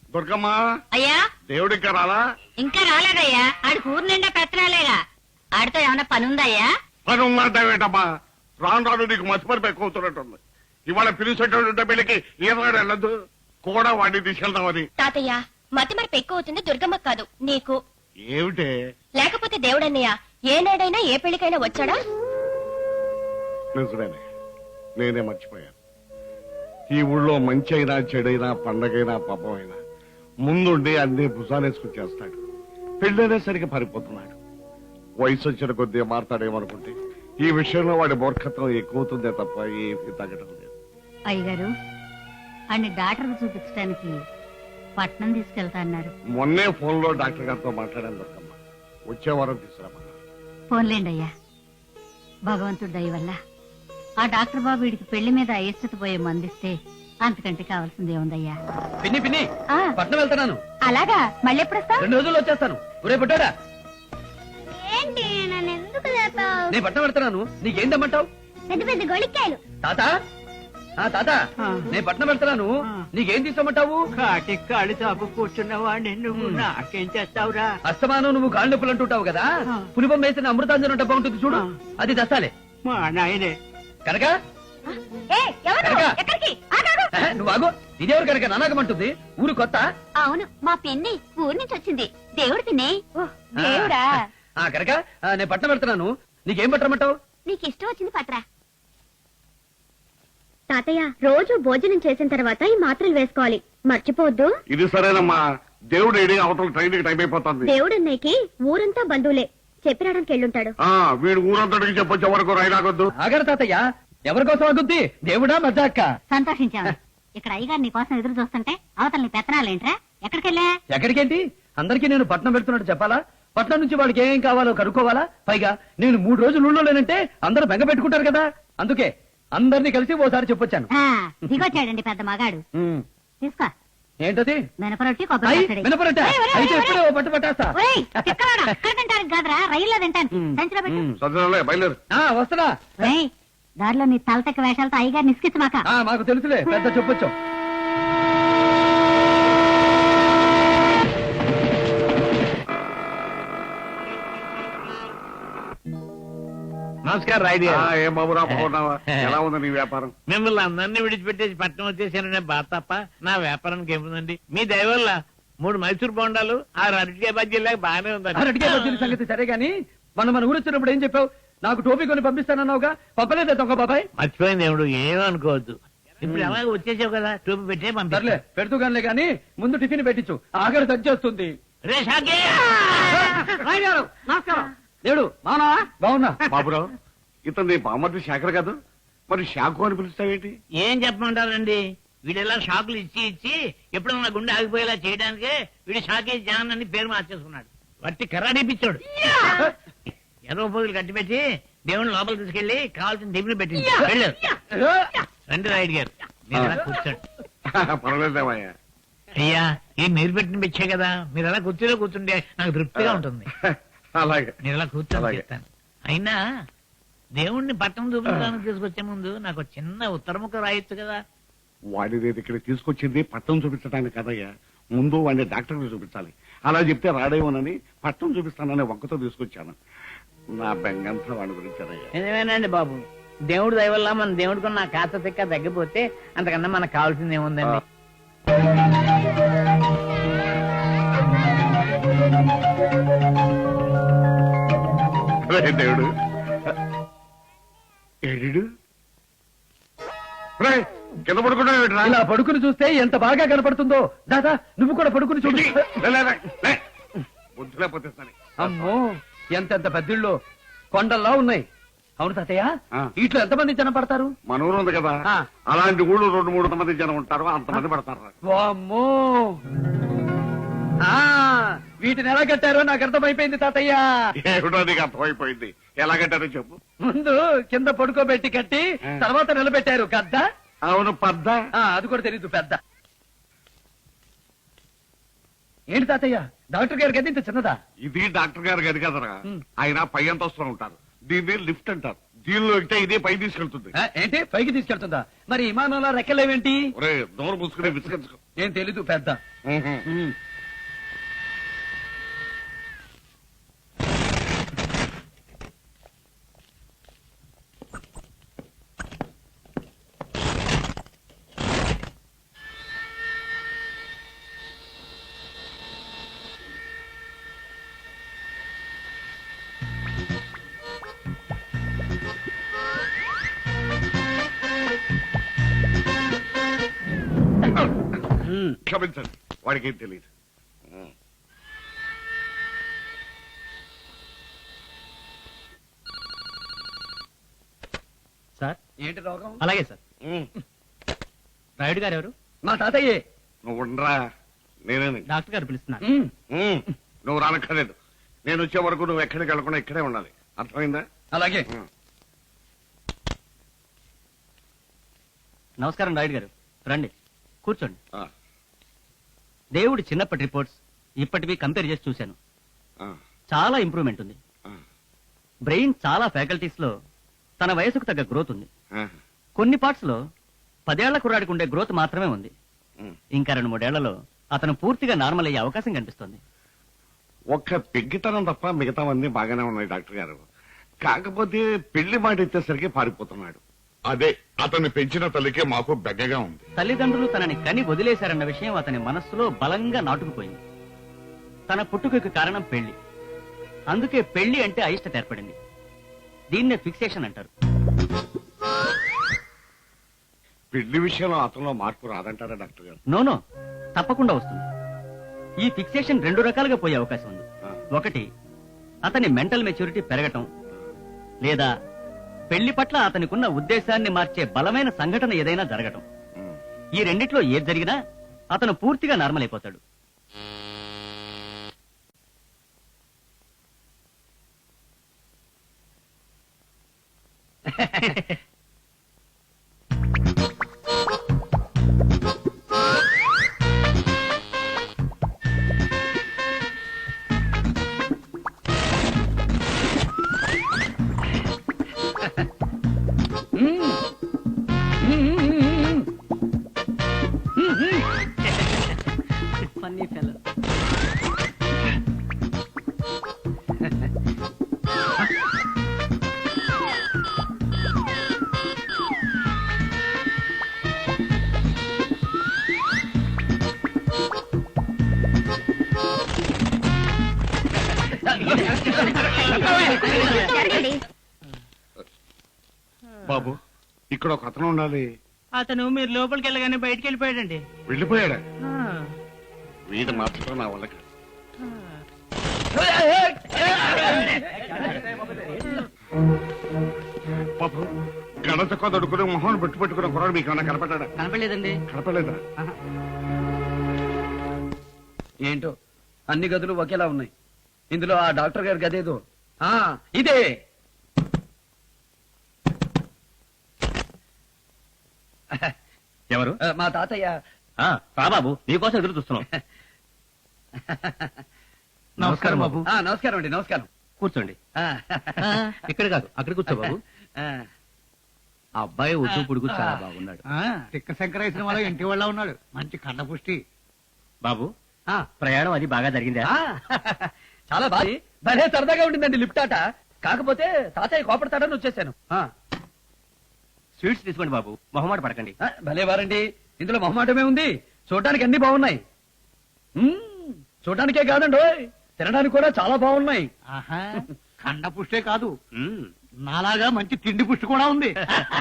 దుర్గమ్మా అయ్యా దేవుడికి రాలా? ఇంకా రాలేదయ్యా. ఆడి ఊరు నిండా పెత్తనాలేగా. ఆడితో ఏమన్నా పని ఉందయ్యా? పని ఉందంటావేటమ్మా? రాను రాను నీకు మసిపరిపై ఎక్కువ అవుతున్నట్టుంది. ఇవాళ పిలిచేటటువంటి పెళ్లికి ఈనాడు వెళ్ళదు కూడా వాడిని తీసుకెళ్తామని. తాతయ్య మతి మరపు ఎక్కువ అవుతుంది దుర్గమ్మకు కాదు నీకు. ఏమిటే? లేకపోతే దేవుడన్నయ్య ఏనాడైనా ఏ పెళ్లికైనా వచ్చాడా? నిజమేనే, నేనే మర్చిపోయాను. ఈ ఊళ్ళో మంచి అయినా చెడైనా పండగైనా పాపమైనా ముందుండి అన్ని భుజాలేసుకుని చేస్తాడు. పెళ్ళనేసరికి పారిపోతున్నాడు. వయసు వచ్చిన కొద్దీ మారతాడేమనుకుంటే ఈ విషయంలో వాడి మూర్ఖత్వం ఎక్కువవుతుందే తప్ప ఏమీ తగ్గడం లేదు. అయ్యగారు అన్ని డాక్టర్ చూపించడానికి పట్నం తీసుకెళ్తా అన్నారు. మొన్నే ఫోన్ లో డాక్టర్ గారితో మాట్లాడాను దొరకమ్మ. వచ్చే వారం తీసుకురామన్నా. ఫోన్లేండి అయ్యా. భగవంతుడి దయ వల్ల ఆ డాక్టర్ బాబు వీడికి పెళ్లి మీద అయిష్టత పోయే మందిస్తే అంతకంటే కావాల్సిందే ఉందయ్యా. పిన్ని పిన్ని పట్నం వెళ్తున్నాను. అలాగా మళ్ళీ ఎప్పుడు వస్తావు? 2 రోజుల్లో వచ్చేస్తాను. ఒరే పుట్టాడా, ఏంటి నన్ను ఎందుకు లేపావు? నేను పట్నం వెళ్తున్నాను. నీకేం తెమ్మంటావు? పెద్ద పెద్ద గొళిక్కాయలు. తాత తాత నేను పట్నం వెళ్తున్నాను. నీకేం తీసుకోమంటావు? కాటి కాళ్ళు చాపు కూర్చున్న వాడిని నువ్వు నాకేం చేస్తావురా? అస్తమానం నువ్వు కాళ్ళు నొప్పులు అంటుంటావు కదా. పులిపం వేసిన అమృతాంజనం డబ్బా ఉంటుంది చూడు, అది తెస్తాలే. మా నాయనే కనుక ఎక్కడికి? నువ్వు ఆగు. ఇదేవరు కనుక నానాగమంటుంది. ఊరు కొత్త. అవును మా పిన్ని ఊరి నుంచి వచ్చింది. దేవుడు పిన్ని. దేవుడా? కనుక నేను పట్నం వెళ్తున్నాను. నీకేం పట్టమంటావు? నీకు ఇష్టం వచ్చింది పట్రా. తాతయ్య రోజు భోజనం చేసిన తర్వాత ఈ మాత్రలు వేసుకోవాలి, మర్చిపోవద్దు. ఇది సరేనమ్మా. దేవుడు ఏడి అవతల ట్రైన్ కి టైం అయిపోతుంది. దేవుడు అన్నయ్యకి ఊరంతా బంధువులే, చెప్పి రావడానికి వెళ్ళుంటాడు. వీడు ఊరంతటికి చెప్పొచ్చే వరకు రైలాగొద్దు. ఆగరు తాతయ్య, ఎవరి కోసం ఆగుద్ది? దేవుడా మజాక్క? సంతోషించాను. ఇక్కడ అయ్యగారు నీ కోసం ఎదురు చూస్తుంటే అవతల నీ పెత్తనాలేంట్రా? ఎక్కడికెళ్ళా? ఎక్కడికేంటి? అందరికీ నేను పట్నం వెళ్తున్నట్టు చెప్పాలా? పట్నం నుంచి వాళ్ళకి ఏం కావాలో కనుక్కోవాలా? పైగా నేను 3 రోజులు ఊళ్ళో లేనంటే అందరూ బెంగ పెట్టుకుంటారు కదా. అందుకే అందరినీ కలిసి ఓసారి చెప్పొచ్చాను. దిగొచ్చాడండి పెద్ద మగాడు. తీసుకో. ఏంటది? మినపరొట్టి కొబ్బరి పచ్చడి. మినపరొట్టె? అయితే ఎప్పుడో పట్టు పట్టేస్తా. ఒరేయ్, తిక్కలోడా, అక్కడ తింటానికి కాదురా, రైల్లో తింటాను. సంచిలో పెట్టు. సరేలే, బయలుదేరు. వస్తున్నా. ఒరేయ్, దారిలో నీ తలతక్క వేషాలతో అయ్యగారు నిస్కించమాక. మాకు తెలుసులే, పెద్ద చెప్పొచ్చు. నమస్కారం రాయుడు గారు. ఏం బాబురా బాగున్నావా? ఎలా ఉంది నీ వ్యాపారం? మిమ్మల్ని అందరినీ విడిచిపెట్టేసి పట్నం వచ్చేసాననే బాధ తప్ప నా వ్యాపారానికి ఏముందండి. మీ దయ వల్ల 3 మైసూర్ బొండాలు 6 అరటికాయ బజ్జీలాగా బాగానే ఉందండి. అరటికాయ బజ్జీల సంగతి సరే గాని, మన ఊరు వచ్చినప్పుడు ఏం చెప్పావు? నాకు టోపీ కొని పంపిస్తానన్నావుగా, పంపలేదే దొంగ బాబాయ్? మర్చిపోయింది దేవుడు, ఏమనుకోవద్దు. ఇప్పుడు అలాగే వచ్చేసావు కదా, టూపీ పెట్టే సర్లే, పెడుతూ గానిలే గాని ముందు టిఫిన్ పెట్టించు, ఆఖరి తగ్గేస్తుంది. రే షాకే! నమస్కారం. దేవుడు బాగున్నావా? బాగున్నా. బాబురావు, ఇతను నీ బామ్మర్ది శేఖర్ కాదు, మరి షాకు అని పిలుస్తావేంటి? ఏం చెప్పమంటారండి, వీడెలా షాకులు ఇచ్చి ఇచ్చి ఎప్పుడన్నా గుండె ఆగిపోయేలా చేయడానికే వీడు షాకే జాన్ అని పేరు మార్చేసుకున్నాడు. వట్టి కర్రాడిపిచ్చాడు. 20 పోగులు కట్టిపెట్టి దేవుని లోపల తీసుకెళ్లి కావాల్సిన టిఫిన్ పెట్టింది. రండి రాయుడు గారు, మీరు అలా కూర్చోండి. పర్వాలేదేమయ్యా. అయ్యా, ఏం మీరు పెట్టిన పిచ్చే కదా, మీరు అలా కుర్చీలో కూర్చుంటే నాకు తృప్తిగా ఉంటుంది. అలాగే, మీరు అలా కూర్చొని చెప్తాను. అయినా దేవుణ్ణి పట్టణం చూపించడానికి తీసుకొచ్చే ముందు నాకు చిన్న ఉత్తరముఖ రాయొచ్చు కదా. వాడి నేను ఇక్కడ తీసుకొచ్చింది పట్టణం చూపించడానికి కదయ్యా, ముందు వాడిని డాక్టర్కి చూపించాలి. అలా చెప్తే రాడేమోనని పట్టణం చూపిస్తానని వంకతో తీసుకొచ్చాను. నా బెంగంతా వాడి గురించానయ్యా. నిజమేనండి బాబు, దేవుడు దయ వల్ల మన దేవుడికి నా కాస్త తిక్క తగ్గిపోతే అంతకన్నా మనకు కావాల్సింది ఏముందండి. దేవుడు ఏడు కింద పడుకుంటా. ఇలా పడుకుని చూస్తే ఎంత బాగా కనపడుతుందో. దాదా, నువ్వు కూడా పడుకుని చూడు. బుద్ధి లేకపోతే సరే. అమ్మో, ఎంతెంత పెద్దిళ్ళు కొండల్లా ఉన్నాయి. అవును తాతయ్య, ఇట్లా ఎంతమంది జనం పడతారు? మన ఊరు ఉంది కదా, అలాంటి ఊళ్ళు 2-3 మంది జనం ఉంటారు, అంతమంది పడతారు. వామ్మో, వీటిని ఎలా కట్టారో నాకు అర్థమైపోయింది తాతయ్య. ఏమిటో నీకు అర్థమైపోయింది. ఎలా కట్టారో చెప్పు. ముందు కింద పడుకోబెట్టి కట్టి తర్వాత నిలబెట్టారు గద్ద. అవును, పెద్ద. అది కూడా తెలీదు, పెద్ద. ఏంటి తాతయ్య, డాక్టర్ గారి గది ఇంత చిన్నదా? ఇది డాక్టర్ గారి గది కదరా, ఆయన పై అంతస్తులో ఉంటారు. దీన్ని లిఫ్ట్ అంటారు. దీనిలో ఎక్కితే ఇదే పై తీసుకెళ్తుంది. ఏంటి, పైకి తీసుకెళ్తుందా? మరి విమానంలో రెక్కలేవేంటి? ఒరే, నోరు మూసుకునే విసుకొచ్చుకో. ఏం తెలీదు పెద్ద. ఉమ్. క్షమించండి, వాడికి ఏం తెలియదు. సార్ ఏంటి రోగం? అలాగే సార్. రాయుడు గారు ఎవరు? మా తాతయ్యే. నువ్వు ఉండరా, నేనే. డాక్టర్ గారు పిలుస్తున్నారు. నువ్వు రానక్కర్లేదు. నేను వచ్చే వరకు నువ్వు ఎక్కడికి వెళ్ళకుండా ఇక్కడే ఉండాలి, అర్థమైందా? అలాగే. నమస్కారం రాయుడు గారు, రండి కూర్చోండి. ఆ, దేవుడి చిన్నప్పటి రిపోర్ట్స్ ఇప్పటివి కంపేర్ చేసి చూశాను. ఆ, చాలా ఇంప్రూవ్మెంట్ ఉంది. ఆ, బ్రెయిన్ చాలా ఫ్యాకల్టీస్ లో తన వయసుకు తగ్గ గ్రోత్ ఉంది. ఆ, కొన్ని పార్ట్స్ లో 10 ఏళ్ల కుర్రాడికి ఉండే గ్రోత్ మాత్రమే ఉంది. ఉమ్. ఇంకా 2-3 ఏళ్లలో అతను పూర్తిగా నార్మల్ అయ్యే అవకాశం కనిపిస్తోంది. ఒక్క పెగ్గితనం తప్ప మిగతావన్నీ బాగానే ఉన్నాయి డాక్టర్ గారు. కాకపోతే పెళ్లి మాట ఇచ్చేసరికి పారిపోతున్నాడు. అదే అతన్ని పెంచిన తల్లికే మాకు బెగ్గగా ఉంది. తల్లిదండ్రులు తనని కని వదిలేశారన్న విషయం అతని మనస్సులో బలంగా నాటుకుపోయింది. తన పుట్టుకకు కారణం పెళ్లి. అందుకే పెళ్లి అంటే అయిష్టత ఏర్పడింది. దీన్నే ఫిక్సేషన్ అంటారు. పెళ్లి విషయంలో అతనిలో మార్పు రాదంటారా డాక్టర్ గారు? నోనో, తప్పకుండా వస్తుంది. ఈ ఫిక్సేషన్ 2 రకాలుగా పోయే అవకాశం ఉంది. ఆ. ఒకటి, అతని మెంటల్ మెచ్యూరిటీ పెరగటం, లేదా పెళ్లి పట్ల అతనికున్న ఉద్దేశాన్ని మార్చే బలమైన సంఘటన ఏదైనా జరగటం. ఉమ్. ఈ రెండిట్లో ఏది జరిగినా అతను పూర్తిగా నార్మల్ అయిపోతాడు. Funny fellow. జరగండి. బాబు, ఇక్కడ ఒక అతను ఉండాలి. అతను మీరు లోపలికి వెళ్ళగానే బయటికి వెళ్ళిపోయాడండి. వెళ్ళిపోయాడా? వీడు మార్చడం నా వల్ల కాదు. బాబు, గణత కొదడుకుని మొహం పెట్టుకున్న కుర్రాడు మీకు ఏమన్నా కనపడ్డా? కనపడలేదండి. కనపడలేదా? ఏంటో అన్ని గదులు ఒకేలా ఉన్నాయి. ఇందులో ఆ డాక్టర్ గారి గదేదో. ఆ ఇదే. ఎవరు? మా తాతయ్య. బాబు, నీకోసం ఎదురు చూస్తున్నాం. నమస్కారం బాబు. నమస్కారం అండి. నమస్కారం. కూర్చోండి. ఆ, ఇక్కడ కాదు, అక్కడ కూర్చో బాబు. ఆ, అబ్బాయి ఒడ్డు పొడుగు చాలా బాగున్నాడు. తిక్క శంకర సినిమాలో ఇంటి వాళ్ళ ఉన్నాడు. మంచి కండపుష్టి. బాబు, ఆ, ప్రయాణం అది బాగా జరిగిందా? ఆ, చాలా బాగా భలే సరదాగా ఉండిందండి లిఫ్ట్ ఆట. కాకపోతే తాతయ్య కోపడతాడని వచ్చేసాను. స్వీట్స్ తీసుకోండి బాబు, మొహమాట పడకండి. భలే వారండి. ఇందులో మొహమాటమే ఉంది. చూడటానికి అన్ని బాగున్నాయి. చూడటానికే కాదండి, ఓయ్, తినడానికి కూడా చాలా బాగున్నాయి. ఆహా, కండపుష్టే కాదు, మ్మ్. నాలాగా మంచి తిండి పుష్టి కూడా ఉంది.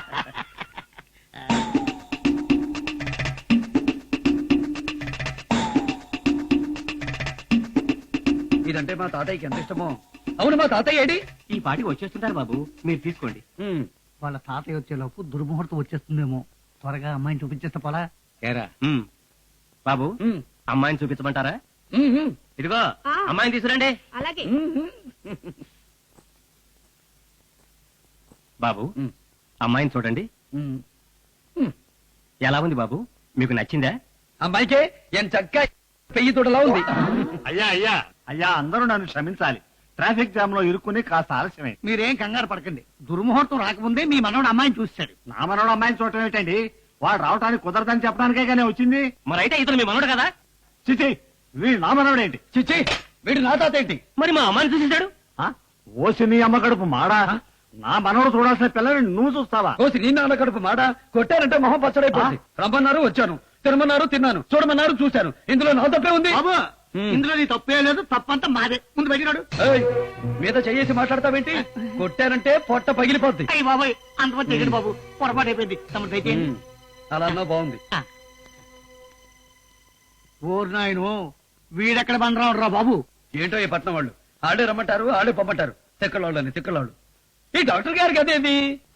ఇదంటే మా తాతయ్యకి ఎంత ఇష్టమో. అవును, మా తాతయ్య ఏడి? ఈ పాటికి వచ్చేస్తుంటారు బాబు, మీరు తీసుకోండి. వాళ్ళ తాతయ్య వచ్చేలోపు దుర్ముహూర్తం వచ్చేస్తుందేమో. త్వరగా అమ్మాయిని చూపించేస్తే పోలా. మ్మ్. బాబు, అమ్మాయిని చూపించమంటారా? ఇదిగో ఆ. అమ్మాయిని తీసుకురండి. అలాగే. బాబు, అమ్మాయిని చూడండి. ఎలా ఉంది బాబు, మీకు నచ్చిందా? అమ్మాయికే ఎంత చక్క పెయ్యి తోటలా ఉంది. అయ్యా అయ్యా అయ్యా, అందరూ నన్ను క్షమించాలి. ట్రాఫిక్ జామ్ లో ఇరుక్కుని కాస్త ఆలస్యమే. మీరేం కంగారు పడకండి. దుర్ముహూర్తం రాకముందే మీ మనవడు అమ్మాయిని చూశాడు. నా మనవడు అమ్మాయిని చూడటం ఏంటండి? వాడు రావటానికి కుదరదని చెప్పడానికే కానీ వచ్చింది. మరైతే ఇతను మీ మనోడు కదా? చిచి వీడు నా మనవడేంటి? చిచ్చి వీడు నా తాత ఏంటి? మరి మా అమ్మాయిని చూసేశాడు. ఆ? ఓసి నీ అమ్మ కడుపు మాడా, నా మనవడు చూడాల్సిన పిల్లని నువ్వు చూస్తావా? కోసి నీ నాన్న కడుపు మాడ కొట్టారంటే మొహం పచ్చడైపోయింది. రమ్మన్నారు వచ్చాను, తినమన్నారు తిన్నాను, చూడమన్నారు చూశాను. ఇందులో నా తప్పే ఉంది. బాబు ఉమ్. ఇందులో నీ తప్పే లేదు, తప్పంతా మాదే. ముందు బయటినాడు. ఏయ్, మీద చెయ్యేసి మాట్లాడతావేంటి? కొట్టారంటే పొట్ట పగిలిపోద్ది. అయ్యి బాబాయ్ అంతమంది తెగడు బాబు, పొరపాటు అయిపోయింది. తమరు దయచేయండి. ఉమ్, అలా అన్నా బాగుంది. ఓరు నాయను వీడెక్కడ బండరాడు రా బాబు. ఏంటో ఈ పట్నం వాళ్ళు ఆడే రమ్మంటారు ఆడే పొమ్మంటారు. తిక్కలోళ్ళని తిక్కలోళ్ళు. ఈ డాక్టర్ గారికి అదేంది